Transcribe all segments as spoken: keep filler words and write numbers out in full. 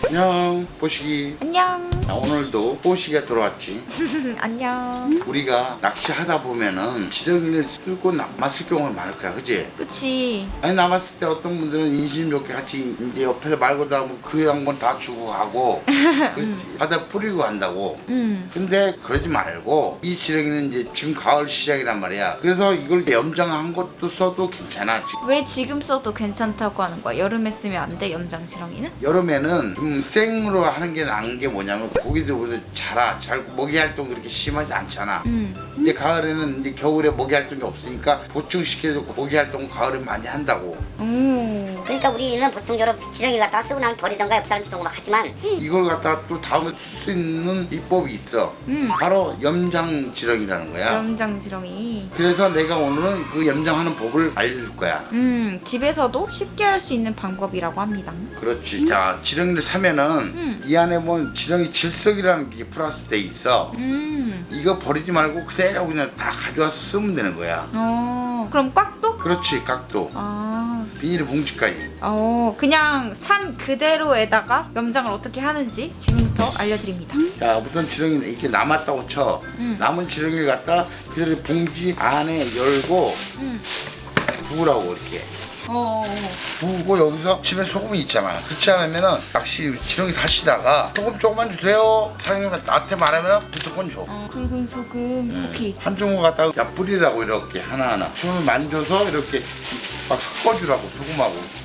안녕 뽀식이. 안녕. 자, 오늘도 뽀식이가 들어왔지. 안녕. 우리가 낚시하다 보면은 지렁이를 쓰고 남았을 경우가 많을 거야, 그지? 그치. 아니 남았을 때 어떤 분들은 인심 좋게 같이 이제 옆에서 말고 다 그 양반 다 주고 가고 그렇지. 바다 뿌리고 간다고. 응. 근데 그러지 말고 이 지렁이는 이제 지금 가을 시작이란 말이야. 그래서 이걸 염장한 것도 써도 괜찮아. 왜 지금 써도 괜찮다고 하는 거야? 여름에 쓰면 안 돼, 염장 지렁이는? 여름에는 좀 생으로 하는 게 나은 게 뭐냐면 고기도 그래도 자라, 잘 먹이 활동 그렇게 심하지 않잖아. 응. 이제 가을에는 이제 겨울에 먹이 활동이 없으니까 보충시켜서 먹이 활동 가을에 많이 한다고. 오. 그러니까 우리는 보통적으로 지렁이를 갖다가 쓰고 나면 버리던가 옆 사람 주던가 막 하지만 이걸 갖다가 또 다음에 쓸 수 있는 비법이 있어. 음. 바로 염장 지렁이라는 거야. 염장 지렁이. 그래서 내가 오늘은 그 염장하는 법을 알려줄 거야. 음, 집에서도 쉽게 할 수 있는 방법이라고 합니다. 그렇지. 자, 지렁이를 사면은 음. 이 안에 보면 지렁이 질석이라는 게 플러스 돼 있어. 음. 이거 버리지 말고 그대로 그냥 다 가져와서 쓰면 되는 거야. 어. 그럼 꽉도? 그렇지, 각도. 아. 비닐 봉지까지. 어. 그냥 산 그대로에다가 염장을 어떻게 하는지 지금부터 알려드립니다. 자, 우선 지렁이는 이렇게 남았다고 쳐. 음. 남은 지렁이를 갖다 그대로 봉지 안에 열고 음. 부으라고 이렇게. 어. 부고 여기서 집에 소금이 있잖아. 그렇지 않으면은 낚시 지렁이 사시다가 소금 조금만 주세요. 사장님 나한테 말하면 무조건 줘. 어. 굵은 소금. 음. 오케이. 한 주먹 갖다가 야 뿌리라고 이렇게 하나하나 손을 만져서 이렇게 막 섞어주라고 소금하고.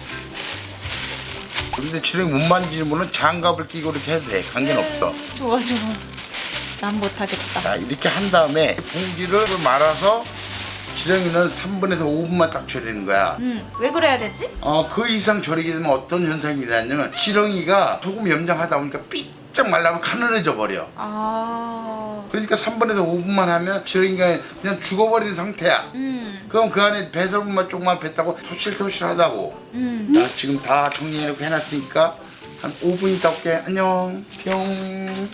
근데 지렁이 못 만지는 분은 장갑을 끼고 이렇게 해도 돼. 관계는 없어. 좋아 좋아. 난 못하겠다. 자, 이렇게 한 다음에 봉지를 말아서 지렁이는 삼 분에서 오 분만 딱 절이는 거야. 음. 왜 그래야 되지? 어, 그 이상 절이게 되면 어떤 현상이 일어나냐면 지렁이가 소금 염장하다 보니까 삐쩍 말라면 가늘어져 버려. 아. 그러니까 삼 분에서 오 분만 하면 지렁이가 그냥 죽어버리는 상태야. 음. 그럼 그 안에 배설물만 조금만 뱉다고 토실토실하다고. 음. 나 지금 다 정리해놓고 해놨으니까 한 오 분 있다 올게. 안녕. 뿅.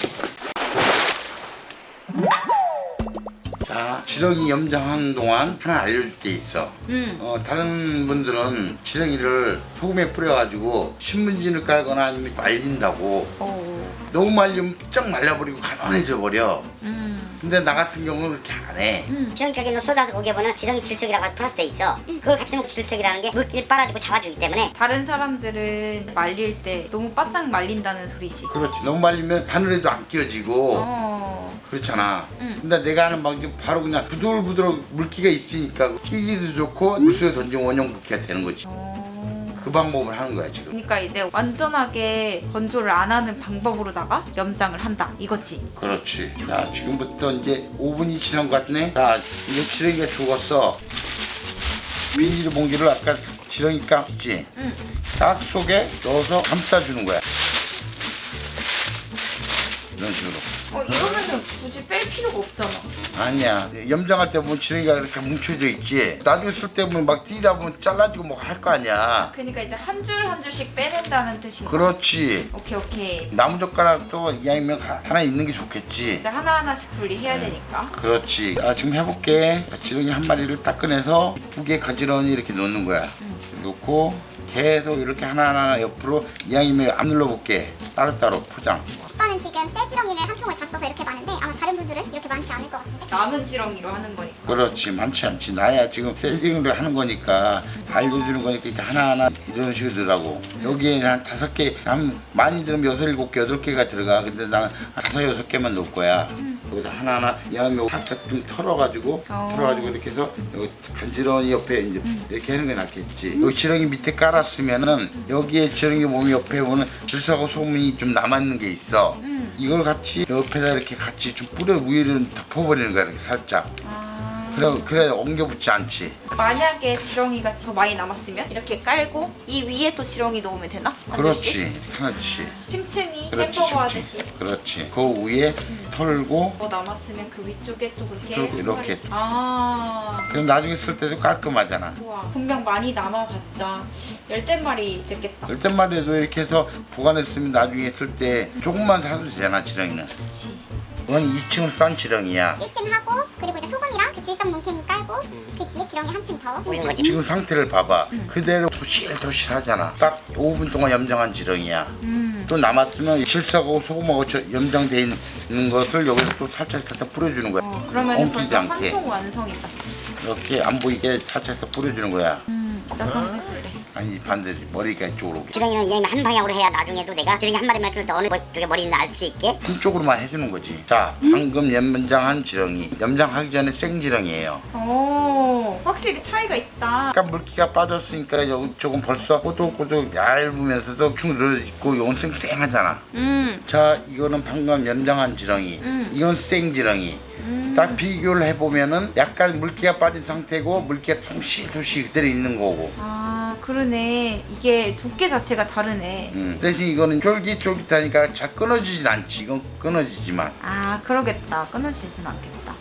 자, 지렁이 염장하는 동안 하나 알려줄 게 있어. 음. 어, 다른 분들은 지렁이를 소금에 뿌려가지고 신문지를 깔거나 아니면 말린다고. 오. 너무 말리면 쩍 말라버리고 가난해져 버려. 음. 근데 나 같은 경우는 그렇게 안 해. 음. 지렁이 가게 너 쏟아서 거기에 보면 지렁이 질석이라고 플러스 돼 있어. 그걸 같이 넣고 질석이라는 게 물기를 빨아주고 잡아주기 때문에 다른 사람들은 말릴 때 너무 바짝 말린다는 소리지. 그렇지. 너무 말리면 바늘에도 안 끼워지고 어. 그렇잖아. 응. 근데 내가 하는 방법이 바로 그냥 부들부들 물기가 있으니까 끼기도 좋고 물속에 던지면 원형 붓기가 되는 거지. 어. 그 방법을 하는 거야 지금. 그러니까 이제 완전하게 건조를 안 하는 방법으로다가 염장을 한다 이거지. 그렇지. 자, 지금부터 이제 오 분이 지난 것 같네. 자, 이제 지렁이가 죽었어. 비닐 봉지를 아까 지렁이 깍 있지? 응. 깍 속에 넣어서 감싸주는 거야. 이런 식으로. 어 이러면은 굳이 뺄 필요가 없잖아. 아니야. 염장할 때 보면 지렁이가 이렇게 뭉쳐져 있지. 나중에 쓸 때 보면 막 뛰다 보면 잘라지고 뭐 할 거 아니야. 그러니까 이제 한 줄 한 줄씩 빼낸다는 뜻인가? 그렇지. 오케이 오케이. 나무젓가락도 이왕이면 하나 있는 게 좋겠지. 이제 하나 하나씩 분리해야 네. 되니까. 그렇지. 아, 지금 해볼게. 지렁이 한 마리를 딱 꺼내서 이쁘게 가지런히 이렇게 놓는 거야. 응. 놓고 계속 이렇게 하나하나 옆으로 이왕이면 안 눌러볼게. 따로따로 포장. 오빠는 지금 새 지렁이를 한 통을 다 써서 이렇게 많은데 아마 다른 분들은 이렇게 많지 않을 것 같은데. 남은 지렁이로 하는 거니까. 그렇지. 많지 않지. 나야 지금 세징을 하는 거니까 다 알려주는 거니까 이렇게 하나하나 이런 식으로 넣으라고. 여기에 한 다섯 개, 한 많이 들으면 여섯, 일곱 개, 여덟 개가 들어가. 근데 나는 다섯, 여섯 개만 넣을 거야. 여기서 하나하나 이왕이면 살짝 좀 털어가지고 어. 털어가지고 이렇게 해서 여기 간지런히 옆에 이제 이렇게 하는 게 낫겠지. 여기 지렁이 밑에 깔았으면은 여기에 지렁이 몸 옆에 보면 질소하고 소금이 좀 남아있는 게 있어. 음. 이걸 같이 옆에다 이렇게 같이 좀 뿌려 위를 덮어버리는 거야. 이렇게 살짝. 아. 그래, 그래 엉겨 붙지 않지. 만약에 지렁이가 더 많이 남았으면 이렇게 깔고 이 위에 또 지렁이 넣으면 되나? 한 줄씩? 그렇지. 하나씩. 층층이 그렇지. 햄버거 층층. 하듯이. 그렇지. 그 위에 털고 뭐 남았으면 그 위쪽에 또 그렇게 쭉 이렇게. 털어서. 아. 그럼 나중에 쓸 때도 깔끔하잖아. 좋아. 분명 많이 남아봤자 열댓 마리 됐겠다. 열댓 마리도 이렇게 해서 보관했으면 나중에 쓸 때 조금만 사도 되잖아, 지렁이는. 그치. 이건 이 층을 싼 지렁이야. 일 층 하고 그리고 이제 소금이랑 그 질석 뭉탱이 깔고 그 뒤에 지렁이 한 층 더. 보이는 거지. 지금 상태를 봐봐. 그대로 도실도실하잖아. 딱 오 분 동안 염장한 지렁이야. 음. 또 남았으면 실사하고 소금하고 저- 염장돼 있는 것을 여기서 또 살짝 살짝 뿌려주는 거야. 어, 그러면 엉키지 벌써 않게. 한 통 완성이다. 이렇게 안 보이게 살짝 살짝 뿌려주는 거야. 음, 나도 한번 해볼래. 아니 반대지, 머리가 이쪽으로 오게. 지렁이는 그냥 한 방향으로 해야 나중에도 내가 지렁이 한 마리만 키울 때 어느 쪽에 머리 있나 알 수 있게. 한쪽으로만 해주는 거지. 자, 방금 염장한 지렁이. 염장하기 전에 생지렁이에요. 오, 확실히 차이가 있다. 약간 물기가 빠졌으니까 여기 조금 벌써 꼬독꼬독 얇으면서도 축 늘어있고 이건 쌩쌩하잖아. 음, 자, 이거는 방금 염장한 지렁이. 음. 이건 생지렁이. 음. 딱 비교를 해보면은 약간 물기가 빠진 상태고 물기가 통실통실 그대로 있는 거고. 아, 그러네. 이게 두께 자체가 다르네. 음. 대신 이거는 쫄깃쫄깃하니까 잘 끊어지진 않지. 이건 끊어지지만. 아, 그러겠다. 끊어지진 않겠다.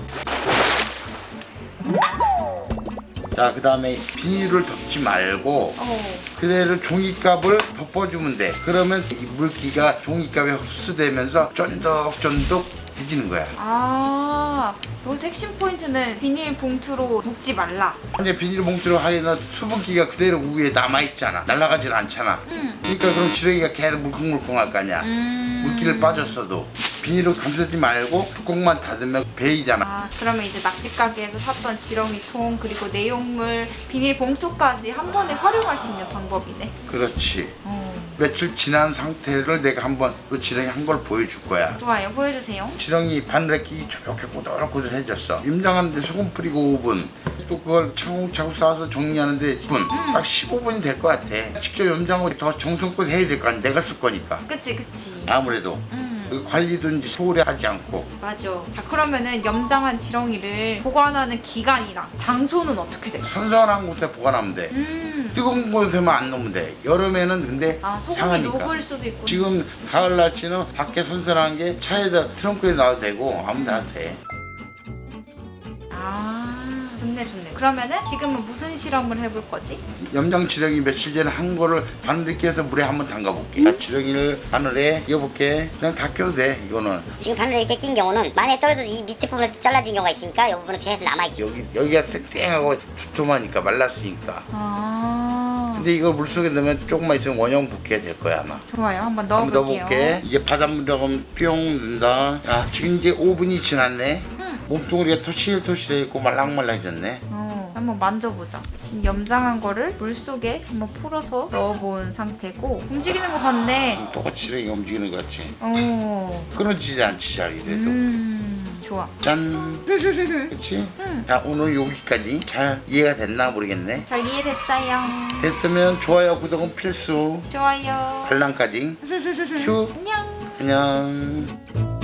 자, 그 다음에 비닐을 덮지 말고 어, 그대로 종이컵을 덮어주면 돼. 그러면 이 물기가 종이컵에 흡수되면서 쫀득쫀득해지는 거야. 아, 여기서 핵심 포인트는 비닐 봉투로 묶지 말라. 이제 비닐봉투로 하려면 수분기가 그대로 위에 남아있잖아. 날아가질 않잖아. 음, 그러니까 그럼 지렁이가 계속 물컹물컹할 거 아니야. 음. 물기를 빠졌어도 비닐을 감싸지 말고 뚜껑만 닫으면 베이잖아. 아, 그러면 이제 낚시 가게에서 샀던 지렁이 통 그리고 내용물 비닐 봉투까지 한 번에 활용할 수 있는 방법이네. 그렇지. 어, 며칠 지난 상태를 내가 한번 그 지렁이 한 걸 보여줄 거야. 좋아요. 보여주세요. 지렁이 바늘에 끼기 저렇게 꼬들꼬들해졌어. 염장하는데 소금 뿌리고 오 분, 또 그걸 차곡차곡 쌓아서 정리하는데 십 분, 딱 십오 분이 될 것 같아. 직접 염장하고 더 정성껏 해야 될 거 아니야. 내가 쓸 거니까. 그치, 그치. 아무래도 음, 그 관리도 이제 소홀히 하지 않고. 맞아. 자, 그러면은 염장한 지렁이를 보관하는 기간이랑 장소는 어떻게 돼? 선선한 곳에 보관하면 돼. 음, 뜨거운 곳에만 안 놓으면 돼. 여름에는 근데 아, 소금이 상하니까. 녹을 수도 있고. 지금 가을 날씨는 밖에 선선한 게 차에다 트렁크에 놔도 되고 아무 데나 돼. 아, 좋네, 좋네. 그러면은 지금은 무슨 실험을 해볼 거지? 염장 지렁이 며칠 전에 한 거를 바늘에 끼워서 물에 한번 담가볼게. 자, 지렁이를 바늘에 끼워볼게. 그냥 다 껴도 돼. 이거는 지금 바늘에 이렇게 낀 경우는 만에 떨어져도 이 밑에 부분을 잘라진 경우가 있으니까 이 부분은 계속 남아있지. 여기 여기가 땡땡하고 두툼하니까 말랐으니까. 아, 근데 이걸 물속에 넣으면 조금만 있으면 원형 붓게 될 거야 아마. 좋아요. 한번 한번 넣어볼게요. 넣어볼게. 이제 바닷물에 뿅 넣는다. 아, 지금 이제 오 분이 지났네. 음. 몸뚱아리가 토실토실해있고 말랑말랑해졌네. 어, 한번 만져보자. 지금 염장한 거를 물속에 한번 풀어서 넣어본 상태고 움직이는 거 같네. 똑같이 지렁이가 움직이는 것 같지. 어, 끊어지지 않지 잘 이래도. 음, 좋아. 짠. 그치? 음. 자, 오늘 여기까지 잘 이해가 됐나 모르겠네. 잘 이해됐어요. 됐으면 좋아요, 구독은 필수. 좋아요. 알람까지. 휴. 안녕. 안녕.